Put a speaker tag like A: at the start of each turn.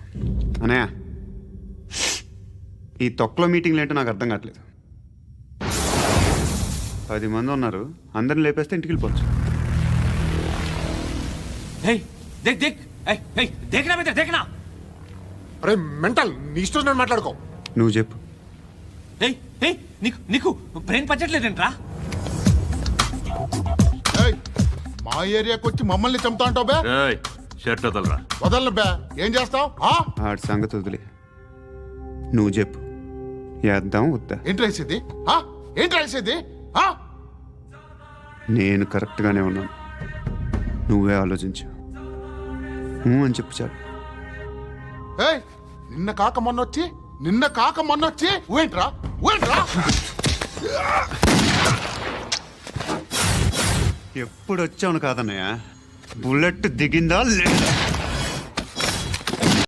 A: అనయా ఈ తొక్కలో మీటింగ్లు ఏంటో నాకు అర్థం కావట్లేదు. 10 మంది ఉన్నారు, అందరిని లేపేస్తే ఇంటికి వెళ్ళిపోవచ్చు.
B: అరే మెంటల్, నీ ఇష్టం నేను మాట్లాడుకో.
A: నువ్వు చెప్పు.
C: నీకు బ్రెయిన్ పచ్చట్లేదంట్రా?
B: ఏయ్, మా ఏరియాకి వచ్చి మమ్మల్ని చంపుతా అంటావు బే?
D: షర్ట్ వదలరా.
B: వదలను బే. ఏం చేస్తావు?
A: ఆడి సంగతి వదిలే, నువ్వు చెప్పు. వేద్దాం వద్దా?
B: ఏంటి రాసేది? ఏంటి రాసేది?
A: నేను కరెక్ట్గానే ఉన్నాను, నువ్వే ఆలోచించు. అని చెప్పు చాలు.
B: ఏయ్, నిన్న కాక మొన్నొచ్చి ఊయంట్రా.
A: ఎప్పుడు వచ్చావును కాదన్నయ్య, బుల్లెట్ దిగిందా లేదా?